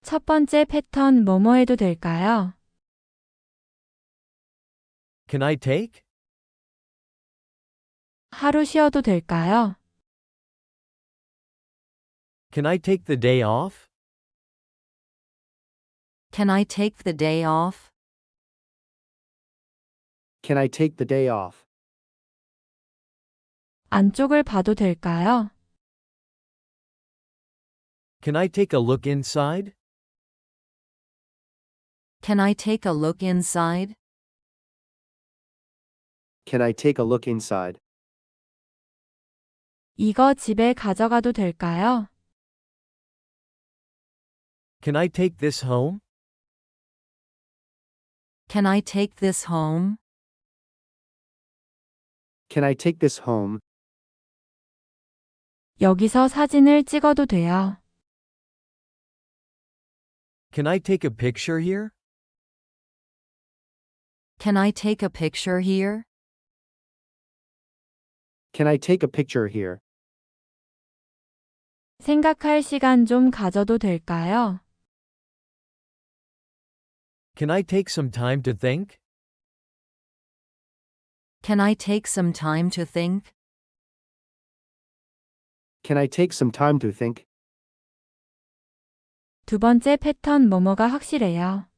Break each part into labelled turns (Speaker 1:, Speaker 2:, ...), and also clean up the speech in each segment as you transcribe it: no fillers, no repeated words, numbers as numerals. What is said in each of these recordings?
Speaker 1: 첫 번째 패턴 뭐뭐 해도 될까요?
Speaker 2: Can I take?
Speaker 1: 하루 쉬어도 될까요?
Speaker 2: Can I take the day off?
Speaker 3: Can I take the day off?
Speaker 4: Can I take the day off?
Speaker 1: 안쪽을 봐도 될까요?
Speaker 2: Can I take a look inside?
Speaker 3: Can I take a look inside?
Speaker 4: Can I take a look inside?
Speaker 1: 이거 집에 가져가도 될까요?
Speaker 2: Can I take this home?
Speaker 3: Can I take this home?
Speaker 4: Can I take this home?
Speaker 1: 여기서 사진을 찍어도 돼요.
Speaker 2: Can I take a picture here?
Speaker 3: Can I take a picture here?
Speaker 4: Can I take a picture here?
Speaker 1: 생각할 시간 좀 가져도 될까요?
Speaker 2: Can I take some time to think?
Speaker 3: Can I take some time to think?
Speaker 4: Can I take some time to think?
Speaker 1: 두 번째 패턴 뭐뭐가 확실해요.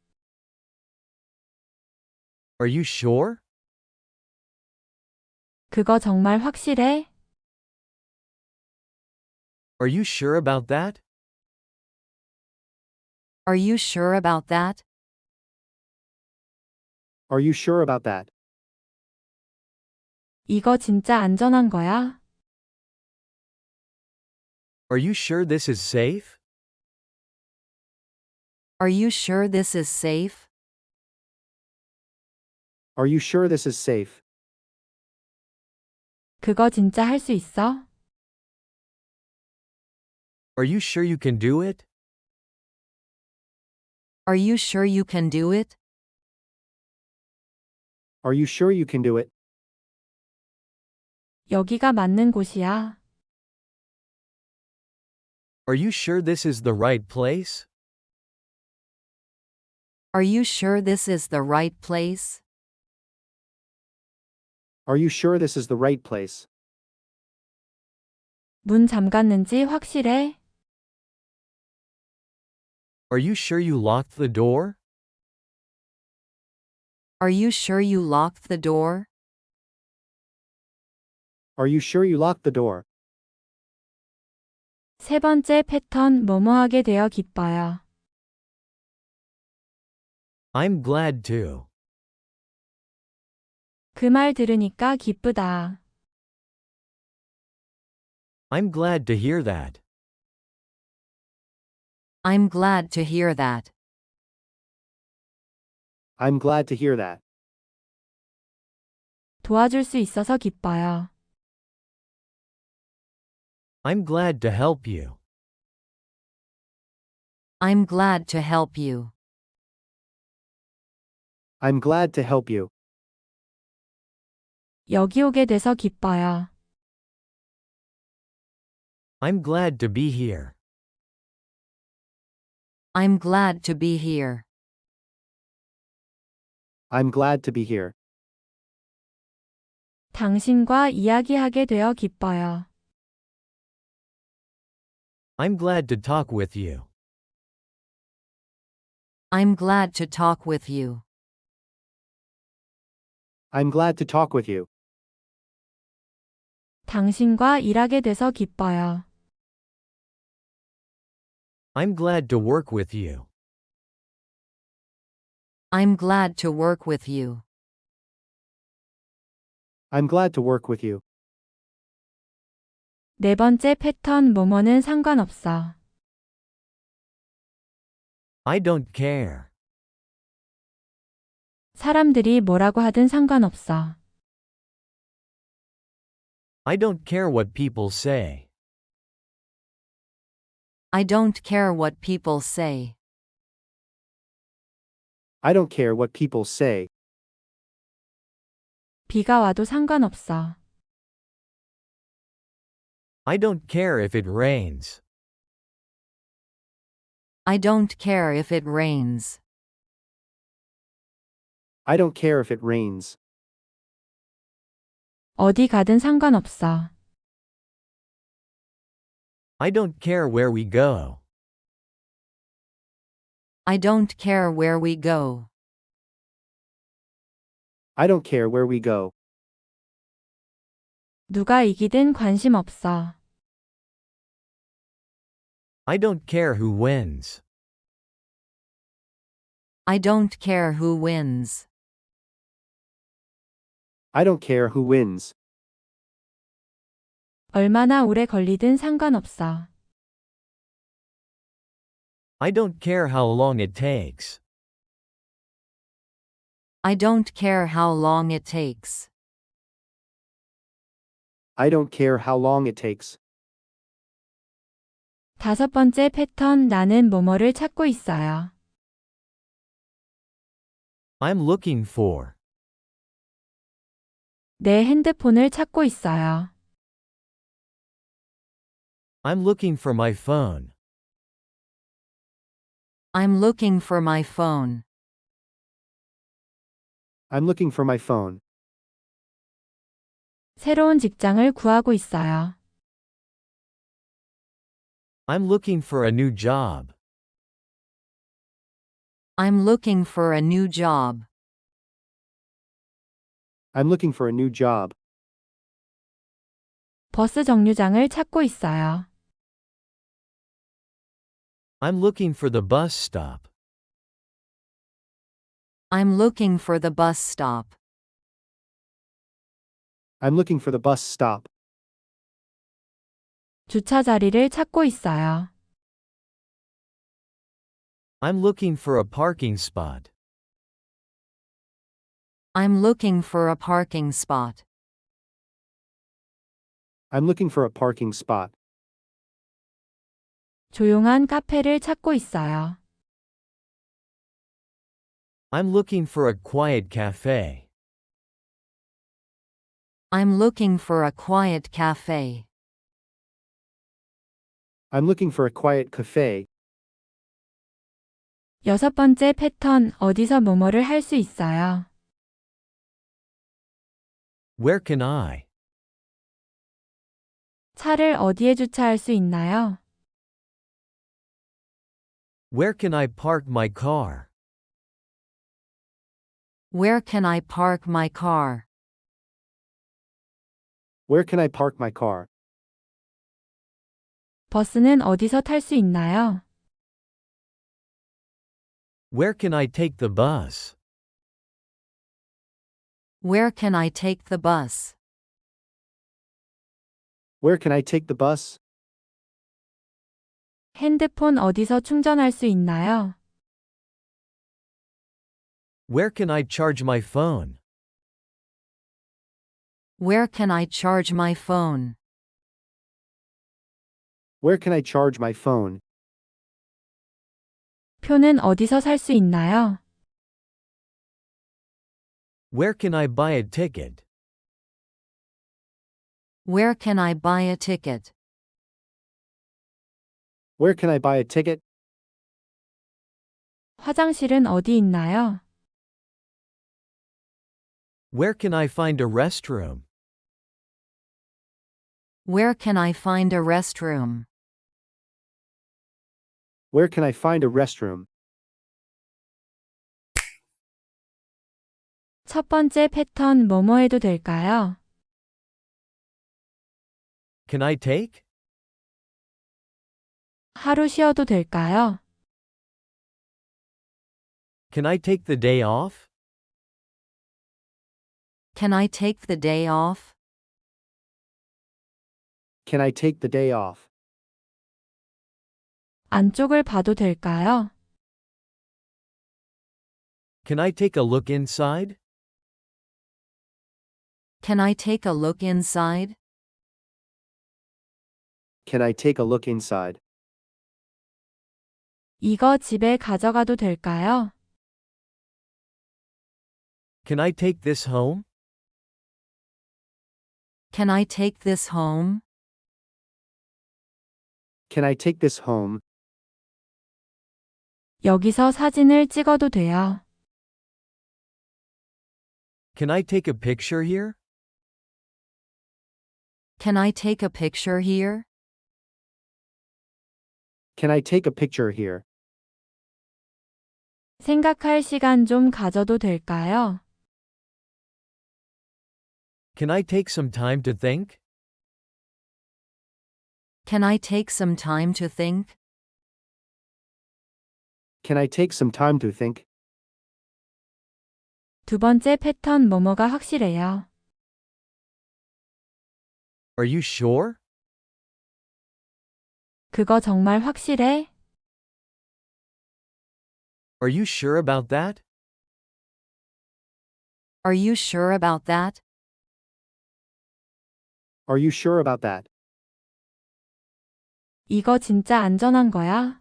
Speaker 2: Are you sure?
Speaker 1: 그거 정말 확실해?
Speaker 2: Are you sure about that?
Speaker 3: Are you sure about that?
Speaker 4: Are you sure about that?
Speaker 1: 이거 진짜 안전한 거야?
Speaker 2: Are you sure this is safe?
Speaker 3: Are you sure this is safe?
Speaker 4: Are you sure this is safe?
Speaker 1: 그거 진짜 할 수 있어?
Speaker 2: Are you sure you can do it?
Speaker 3: Are you sure you can do it?
Speaker 4: Are you sure you can do it?
Speaker 1: 여기가 맞는 곳이야.
Speaker 2: Are you sure this is the right place?
Speaker 3: Are you sure this is the right place?
Speaker 4: Are you sure this is the right place?
Speaker 1: 문 잠갔는지 확실해?
Speaker 2: Are you sure you locked the door?
Speaker 3: Are you sure you locked the door?
Speaker 4: Are you sure you locked the door?
Speaker 1: 세 번째 패턴 뭐뭐 하게 되어 기뻐요.
Speaker 2: I'm glad to.
Speaker 1: 그 말 들으니까 기쁘다.
Speaker 2: I'm glad to hear that.
Speaker 3: I'm glad to hear that.
Speaker 4: I'm glad to hear that.
Speaker 1: 도와줄 수 있어서 기뻐요.
Speaker 2: I'm glad to help you.
Speaker 3: I'm glad to help you.
Speaker 4: I'm glad to help you.
Speaker 1: 여기 오게 돼서 기뻐요.
Speaker 2: I'm glad to be here.
Speaker 3: I'm glad to be here.
Speaker 4: I'm glad to be here.
Speaker 1: 당신과 이야기하게 되어 기뻐요.
Speaker 2: I'm glad to talk with you.
Speaker 3: I'm glad to talk with you.
Speaker 4: I'm glad to talk with you.
Speaker 1: 당신과 일하게 돼서 기뻐요.
Speaker 2: I'm glad to work with you.
Speaker 3: I'm glad to work with you.
Speaker 4: I'm glad to work with you.
Speaker 1: 네 번째 패턴 뭐뭐는 상관없어.
Speaker 2: I don't care.
Speaker 1: 사람들이 뭐라고 하든 상관없어.
Speaker 2: I don't care what people say.
Speaker 3: I don't care what people say.
Speaker 4: I don't care what people say.
Speaker 1: 비가 와도 상관없어.
Speaker 2: I don't care if it rains.
Speaker 3: I don't care if it rains.
Speaker 4: I don't care if it rains.
Speaker 1: 어디 가든 상관없어.
Speaker 2: I don't care where we go.
Speaker 3: I don't care where we go.
Speaker 4: I don't care where we go.
Speaker 1: 누가 이기든 관심 없어.
Speaker 2: I don't care who wins.
Speaker 3: I don't care who wins.
Speaker 4: I don't care who wins.
Speaker 1: 얼마나 오래 걸리든 상관없어.
Speaker 2: I don't care how long it takes.
Speaker 3: I don't care how long it takes.
Speaker 4: I don't care how long it takes.
Speaker 1: 다섯 번째 패턴 나는 뭐뭐를 찾고 있어요.
Speaker 2: I'm looking for.
Speaker 1: 내 핸드폰을 찾고 있어요.
Speaker 2: I'm looking for my phone.
Speaker 3: I'm looking for my phone.
Speaker 4: I'm looking for my phone.
Speaker 1: 새로운 직장을 구하고 있어요.
Speaker 2: I'm looking for a new job.
Speaker 3: I'm looking for a new job.
Speaker 4: I'm looking for a new job.
Speaker 1: 버스 정류장을 찾고 있어요.
Speaker 2: I'm looking for the bus stop.
Speaker 3: I'm looking for the bus stop.
Speaker 4: I'm looking for the bus stop.
Speaker 1: 주차 자리를 찾고 있어요.
Speaker 2: I'm looking for a parking spot.
Speaker 3: I'm looking for a parking spot.
Speaker 4: I'm looking for a parking spot.
Speaker 1: 조용한 카페를 찾고 있어요.
Speaker 2: I'm looking for a quiet cafe.
Speaker 3: I'm looking for a quiet cafe.
Speaker 4: I'm looking for a quiet cafe.
Speaker 1: 여섯 번째 패턴 어디서 뭐뭐를 할 수 있어요.
Speaker 2: Where can I?
Speaker 1: 차를 어디에 주차할 수 있나요?
Speaker 2: Where can I park my car?
Speaker 3: Where can I park my car?
Speaker 4: Where can I park my car?
Speaker 1: 버스는 어디서 탈 수 있나요?
Speaker 2: Where can I take the bus?
Speaker 3: Where can I take the bus?
Speaker 4: Where can I take the bus?
Speaker 1: 핸드폰 어디서 충전할 수 있나요?
Speaker 2: Where can I charge my phone?
Speaker 3: Where can I charge my phone?
Speaker 4: Where can I charge my phone?
Speaker 1: 표는 어디서 살 수 있나요?
Speaker 2: Where can I buy a ticket?
Speaker 3: Where can I buy a ticket?
Speaker 4: Where can I buy a ticket?
Speaker 1: 화장실은 어디 있나요?
Speaker 2: Where can I find a restroom?
Speaker 3: Where can I find a restroom?
Speaker 4: Where can I find a restroom?
Speaker 1: 첫 번째 패턴 뭐뭐 해도 될까요?
Speaker 2: Can I take?
Speaker 1: 하루 쉬어도 될까요?
Speaker 2: Can I take the day off?
Speaker 3: Can I take the day off?
Speaker 4: Can I take the day off?
Speaker 1: 안쪽을 봐도 될까요?
Speaker 2: Can I take a look inside?
Speaker 3: Can I take a look inside?
Speaker 4: Can I take a look inside?
Speaker 1: 이거 집에 가져가도 될까요?
Speaker 2: Can I take this home?
Speaker 3: Can I take this home?
Speaker 4: Can I take this home?
Speaker 1: 여기서 사진을 찍어도 돼요.
Speaker 2: Can I take a picture here?
Speaker 3: Can I take a picture here?
Speaker 4: Can I take a picture here?
Speaker 1: 생각할 시간 좀 가져도 될까요?
Speaker 2: Can I take some time to think?
Speaker 3: Can I take some time to think?
Speaker 4: Can I take some time to think?
Speaker 1: 두 번째 패턴 뭐뭐가 확실해요.
Speaker 2: Are you sure?
Speaker 1: 그거 정말 확실해?
Speaker 2: Are you sure about that?
Speaker 3: Are you sure about that?
Speaker 4: Are you sure about that?
Speaker 1: 이거 진짜 안전한 거야?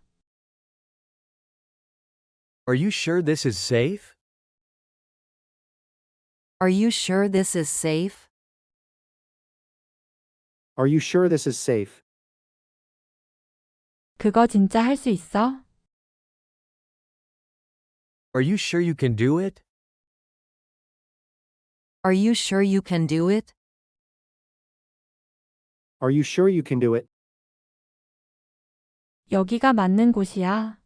Speaker 2: Are you sure this is safe?
Speaker 3: Are you sure this is safe?
Speaker 4: Are you sure this is safe?
Speaker 1: 그거 진짜 할 수 있어?
Speaker 2: Are you sure you can do it?
Speaker 3: Are you sure you can do it?
Speaker 4: Are you sure you can do it?
Speaker 1: 여기가 맞는 곳이야.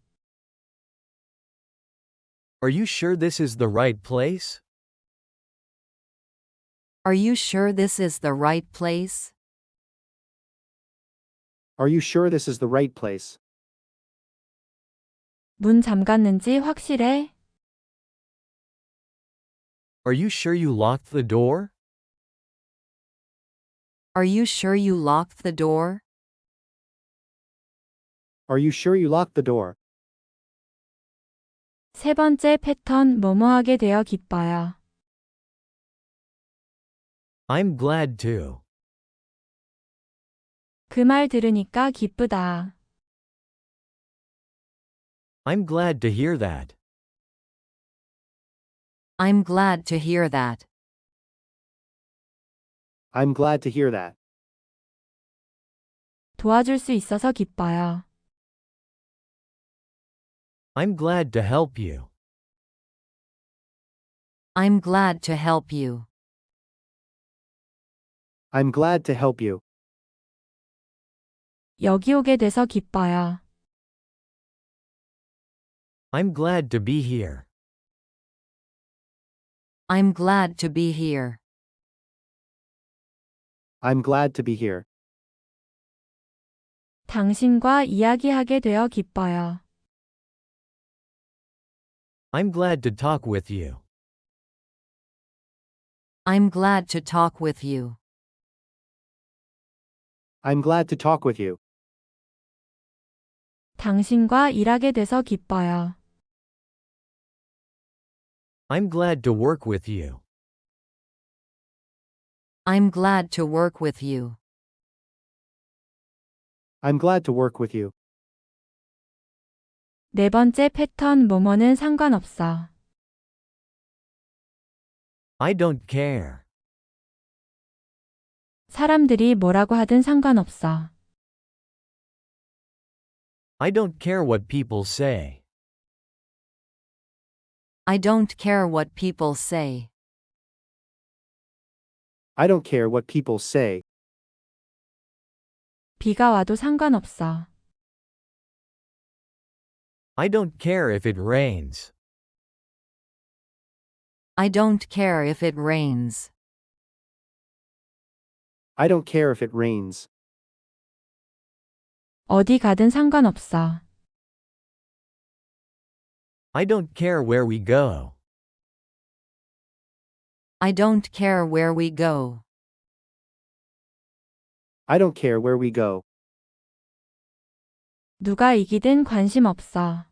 Speaker 2: Are you sure this is the right place?
Speaker 3: Are you sure this is the right place?
Speaker 4: Are you sure this is the right place?
Speaker 1: 문 잠갔는지 확실해?
Speaker 2: Are you sure you locked the door?
Speaker 3: Are you sure you locked the door?
Speaker 4: Are you sure you locked the door?
Speaker 1: 세 번째 패턴 뭐뭐하게 되어 기뻐요.
Speaker 2: I'm glad to.
Speaker 1: 그 말 들으니까 기쁘다.
Speaker 2: I'm glad to hear that.
Speaker 3: I'm glad to hear that.
Speaker 4: I'm glad to hear that.
Speaker 1: 도와줄 수 있어서 기뻐요.
Speaker 2: I'm glad to help you.
Speaker 3: I'm glad to help you.
Speaker 4: I'm glad to help you.
Speaker 1: 여기 오게 돼서 기뻐요.
Speaker 2: I'm glad to be here.
Speaker 3: I'm glad to be here.
Speaker 4: I'm glad to be here.
Speaker 1: 당신과 이야기하게 되어 기뻐요.
Speaker 2: I'm glad to talk with you.
Speaker 3: I'm glad to talk with you.
Speaker 4: I'm glad to talk with you.
Speaker 1: 당신과 일하게 돼서 기뻐요.
Speaker 2: I'm glad to work with you.
Speaker 3: I'm glad to work with you.
Speaker 4: I'm glad to work with you.
Speaker 1: 네 번째 패턴 뭐뭐는 상관없어.
Speaker 2: I don't care.
Speaker 1: 사람들이 뭐라고 하든 상관없어.
Speaker 2: I don't care what people say.
Speaker 3: I don't care what people say.
Speaker 4: I don't care what people say.
Speaker 1: 비가 와도 상관없어.
Speaker 2: I don't care if it rains.
Speaker 3: I don't care if it rains.
Speaker 4: I don't care if it rains.
Speaker 1: 어디 가든 상관없어.
Speaker 2: I don't care where we go.
Speaker 3: I don't care where we go.
Speaker 4: I don't care where we go.
Speaker 1: 누가 이기든 관심 없어.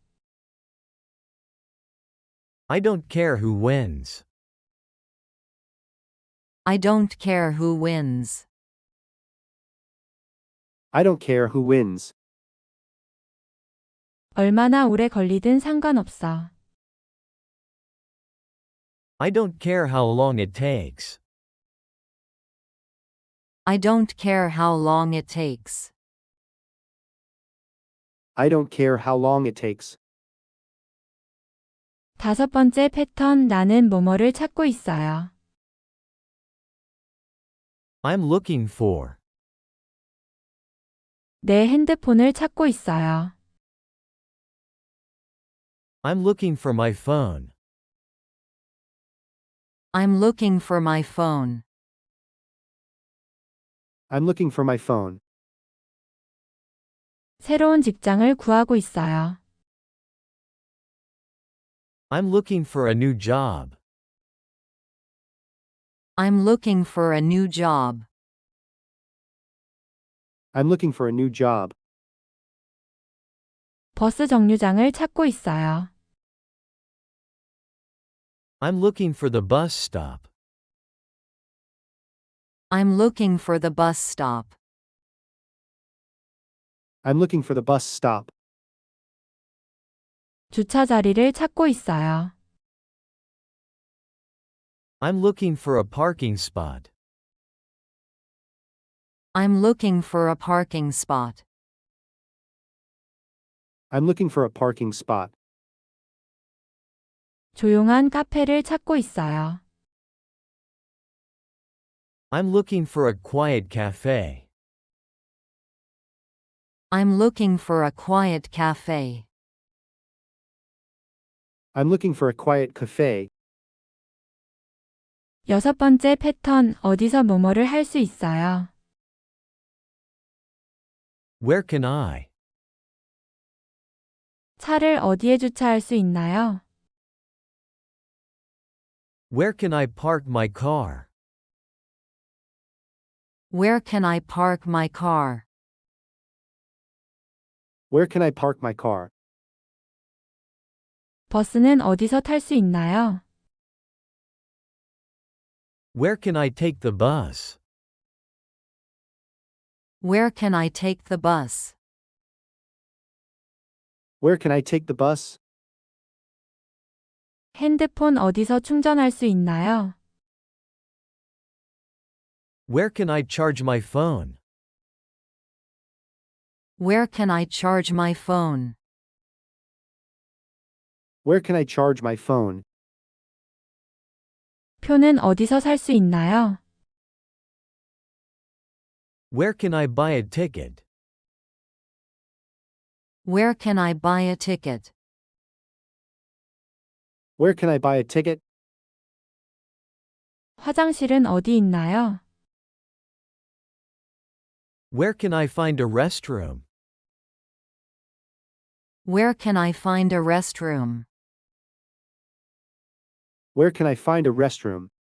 Speaker 2: I don't care who wins.
Speaker 3: I don't care who wins.
Speaker 4: I don't care who wins.
Speaker 1: 얼마나 오래 걸리든 상관없어.
Speaker 2: I don't care how long it takes.
Speaker 3: I don't care how long it takes.
Speaker 4: I don't care how long it takes.
Speaker 1: 5번째 패턴 나는 뭐뭐를 찾고 있어요.
Speaker 2: I'm looking for.
Speaker 1: 내 핸드폰을 찾고 있어요.
Speaker 2: I'm looking for my phone.
Speaker 3: I'm looking for my phone.
Speaker 4: I'm looking for my phone.
Speaker 1: 새로운 직장을 구하고 있어요.
Speaker 2: I'm looking for a new job.
Speaker 3: I'm looking for a new job.
Speaker 4: I'm looking for a new job.
Speaker 1: 버스 정류장을 찾고 있어요.
Speaker 2: I'm looking for the bus stop.
Speaker 3: I'm looking for the bus stop.
Speaker 4: I'm looking for the bus stop.
Speaker 1: 주차 자리를 찾고 있어요.
Speaker 2: I'm looking for a parking spot.
Speaker 3: I'm looking for a parking spot.
Speaker 4: I'm looking for a parking spot.
Speaker 1: 조용한 카페를 찾고 있어요.
Speaker 2: I'm looking for a quiet cafe.
Speaker 3: I'm looking for a quiet cafe.
Speaker 4: I'm looking for a quiet cafe.
Speaker 1: 6번째 패턴 어디서 뭐뭐를 할 수 있어요.
Speaker 2: Where can I?
Speaker 1: 차를 어디에 주차할 수 있나요?
Speaker 2: Where can I park my car?
Speaker 3: Where can I park my car?
Speaker 4: Where can I park my car?
Speaker 1: 버스는 어디서 탈 수 있나요?
Speaker 2: Where can I take the bus?
Speaker 3: Where can I take the bus?
Speaker 4: Where can I take the bus?
Speaker 1: 핸드폰 어디서 충전할 수 있나요?
Speaker 2: Where can I charge my phone?
Speaker 3: Where can I charge my phone?
Speaker 4: Where can I charge my phone?
Speaker 1: 표는 어디서 살 수 있나요?
Speaker 2: Where can I buy a ticket?
Speaker 3: Where can I buy a ticket?
Speaker 4: Where can I buy a ticket?
Speaker 1: 화장실은 어디 있나요?
Speaker 2: Where can I find a restroom?
Speaker 3: Where can I find a restroom?
Speaker 4: Where can I find a restroom?